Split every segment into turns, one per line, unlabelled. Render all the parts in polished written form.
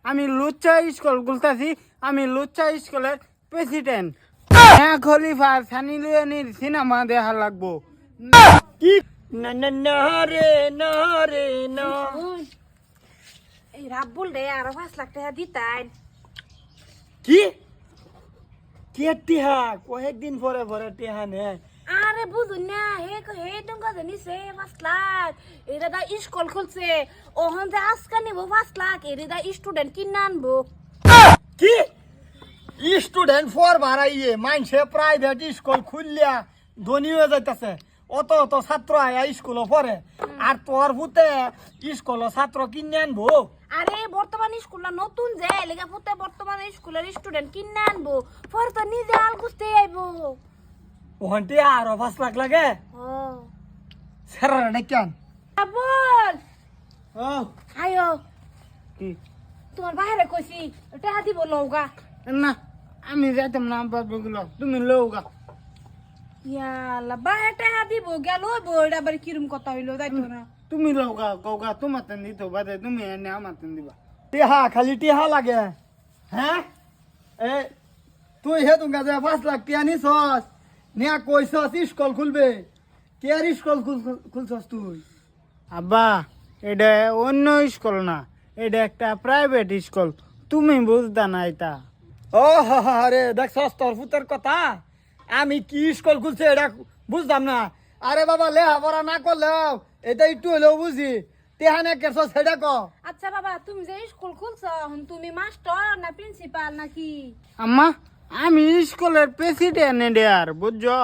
আমি লুচ্চা স্কুল খুলতাছি, আমি লুচ্চা স্কুলের প্রেসিডেন্ট। হ্যাঁ খলিফা সানি লিওনির সিনেমা দেখা লাগবো।
কি না না না রে না রে না।
এই রাব্বুল রে আরো 5 লাখ টাকা দিতাই।
কি কে টিহা কয়েকদিন পরে পরে টিহা নে।
আরে বুঝুন না হে টঙ্কা জানিছে 5 লাখ। এরা দা স্কুল খুলছে, ওহন যে আজকা নিব 5 লাখ, এরা দা স্টুডেন্ট কিনে আনবো।
কি স্টুডেন্ট ফর বাড়াইয়ে মানছে প্রাইভেট স্কুল খুললিয়া ধনী হয়ে যাইতেছে। অত অত ছাত্র আয়া স্কুলে পড়ে, আর তোর ভূতে স্কুল ছাত্র কিনে আনবো।
আরে বর্তমান স্কুলটা নতুন যে লেগা ফুতে বর্তমান স্কুলের স্টুডেন্ট কিনে আনবো, পরে তো নিজে আল গুছতে আইবো।
ওখানটি আরো 5 লাখ লাগে।
ও
সেরা কেন
রাব্বুল
ও
আয়ো,
কি
তোমার বাইরে কইছি টাকা দিব লওগা।
না আমি যাইতাম না বাবুগুলো, তুমি লৌগা।
ইয়ালা বাইরে টাকা দিব গেল বইটা আবার কিরম কথা হইলো যাইতো না।
তুমি লৌগা কৌগা তোমার তেন দিত বাদে তুমি এনে আমার তেন দিবা।
টিহা খালি টিহা লাগে। হ্যাঁ এ তুই হে তুঙ্গা যে 5 লাখ টিহা নিছস নিয়া কইছস স্কুল খুলবে। কে আর স্কুল খুলছস তুই?
আব্বা এটা অন্য স্কুল না, এটা একটা প্রাইভেট স্কুল, তুমি বুঝতা না এটা।
ও আরে দেখছস তোর ফুতের কথা। আমি কি স্কুল খুলছে এটা বুঝতাম না। আরে বাবা লেখাপড়া না করলেও এটা একটু হলেও বুঝি। টিহা নে কেছস সেটা ক।
আচ্ছা বাবা, তুমি যে স্কুল খুলছো তুমি মাস্টার না প্রিন্সিপাল নাকি?
আম্মা আমি স্কুলের প্রেসিডেন্ট এডিয়ার বুঝছো।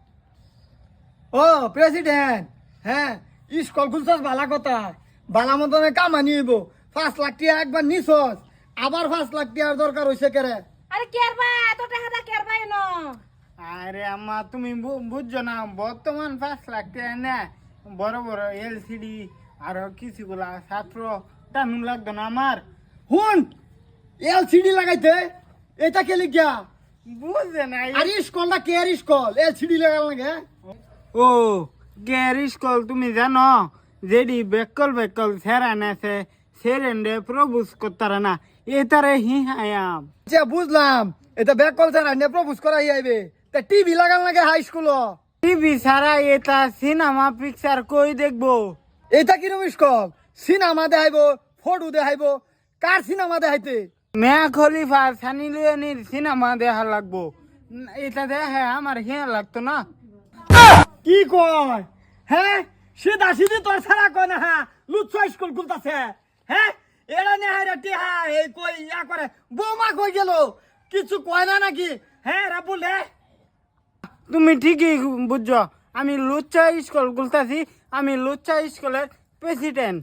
ও প্রেসিডেন্ট, হ্যাঁ স্কুল খুলছস ভালা কথা। ভালা মতনে কামানি হইব। 5 লাখ টিয়া একবার নিছস, আবার 5 লাখ টিয়ার দরকার হইছে কেরে।
আরে কেরবা এত টাকা দা কেরবা এনো?
আরে আম্মা তুমি বুঝছো না, বর্তমান 5 লাখ টাকা না বড় বড় এলসিডি আর কিছুগুলা ছাত্র টানুন লাগতো না আমার।
হুন এলসিডি লাগাইতে এটা কে লিখিয়া?
বুঝে নাই।
আর স্কুলটা কে আর স্কুল এলসিডি লাগাল লাগে?
ও গের স্কুল তুমি জানো, যেডি বেকল বেকল সেরান আছে সেরেন্ডে প্রভুজ করতারা না, এ তারে হি হায়াম।
আচ্ছা বুঝলাম, এটা ব্যাক কল ছাড়া নে প্রপোজ করাই আইবে। তা টিভি লাগাল লাগে হাই স্কুল।
টিভি ছাড়া এটা সিনেমা পিকচার কই দেখবো?
এটা কিরম স্কুল? সিনেমা দেখাইবো, ফটো দেখাইবো, কার সিনেমা দেখাইতে?
মিয়া খলিফা সানি লিওনির সিনেমা দেখা লাগবো। এটা দেখে আমার হিয়া লাগতো না।
কি কয়? হ্যাঁ সিধা সিধি তোর ছাড়া কয় না। হ্যাঁ লুচ্ছ স্কুল খুলতাছে। হ্যাঁ এরা নেহাই টিহা এই কই ইয়া করে। বৌমা কই গেল? কিছু কয় না নাকি? হ্যাঁ রাবুল রে
তুমি ঠিকই বুঝছো, আমি লুচ্চা স্কুল খুলতাছি, আমি লুচ্চা স্কুলের প্রেসিডেন্ট।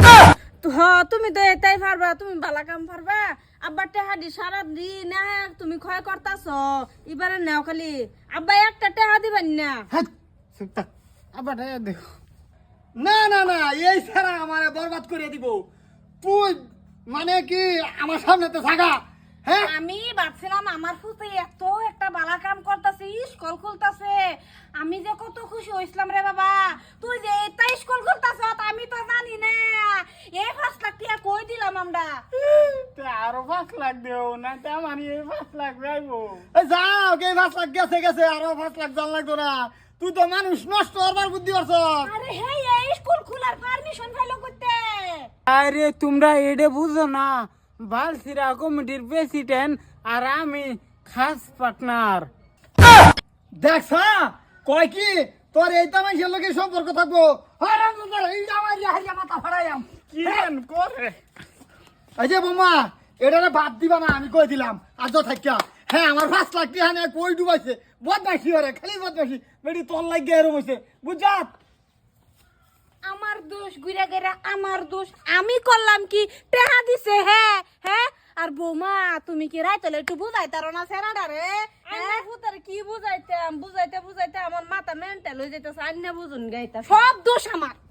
তুমি তো এটাই পারবা, তুমি বালা কাম পারবা। আব্বা টাকা দি সারা দিন তুমি ক্ষয় করতাছ, এবারে নাও খালি। আব্বা একটা টাকা দিবেন না?
হ্যাঁ
চুপ থাক, আবার দেখো।
না না না এই ছাড়া আমারে বরবাদ করে দিব। তুই মানে কি আমার সামনে তো থাকা? হ্যাঁ
আমি ভাবছিলাম আমার ফুতে এত একটা বালা কাম করতেছে, স্কুল খুলতাছে, আমি যে কত খুশি হইছিলাম রে বাবা। তুই যে এটা স্কুল খুলতাছ আমি তো জানি না। এই 5 লাখ টাকা কই দিলাম আমরা?
আরো 5 লাখ দেও না, তা মানে এই 5 লাখ যাইবো।
এই যাও কে 5 লাখ গেছে গেছে, আরো 5 লাখ জান লাগতো না। তুই তো মানুষ নষ্ট হবার বুদ্ধি করছ।
আরে হে এই স্কুল খোলার পারমিশন পাইলো করতে?
আরে তোমরা এটা বুঝো না, বালসিরা কমিটির প্রেসিডেন্ট আর আমি খাস পার্টনার।
দেখছ কয় কি তোর এইটা মানুষের লোকের সম্পর্ক থাকবো। মাথা ফাড়াইয়াম
কি করে?
এই যে বোমা এটা বাদ দিবা না, আমি কই দিলাম আজ থাকিয়া। হ্যাঁ আমার 5 লাখ টাকা নিয়ে কই ডুবাইছে। বদমাইশি ওরে খালি বদমাইশি। বেটি তোর লাগে এরম হইছে বুঝাত।
আমার দোষ গুইরা গেরা আমার দোষ। আমি করলাম কি? টাকা দিছে। হ্যাঁ হ্যাঁ। আর বৌমা তুমি কি রাইতলে একটু বুঝাইতারো না সেরাডা রে? হ্যাঁ ফুতার কি বুঝাইতাম, বুঝাইতে বুঝাইতে আমার মাথা মেন্টাল হয়ে যাইতেছে। আন্না বুঝুন গাইতা সব দোষ আমার।